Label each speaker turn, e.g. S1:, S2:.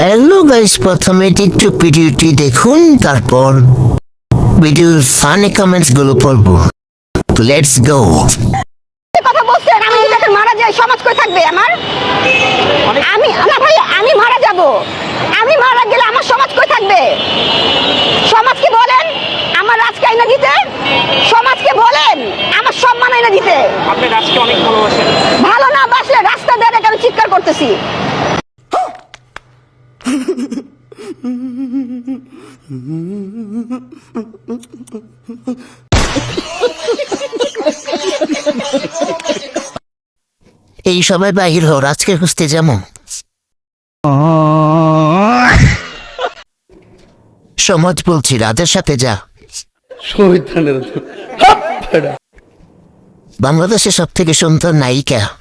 S1: Hello guys, প্রথমে TikTok ভিডিওটি দেখুন, তারপর ভিডিওর ফানি কমেন্টস গুলো পড়বো। Let's go.
S2: কথা বলছেন, আমি যদি এখন মারা যাই সমাজ কই থাকবে আমার? আমি না ভাই, আমি মারা যাব, আমি মারা গেলে আমার সমাজ কই থাকবে? সমাজকে বলেন আমার রাজকে আইনা দিতে, সমাজকে বলেন আমার সম্মান আইনা দিতে।
S3: আপনি রাজকে অনেক ভালোবাসেন।
S2: ভালো না বাসলে রাস্তা দিয়ে আমি চিৎকার করতেছি।
S1: এই সবাই বাহির হও, রাজকে খুঁজতে যেমন সমাজ বলছি, রাজের সাথে যা। বাংলাদেশের সব থেকে সুন্দর নায়িকা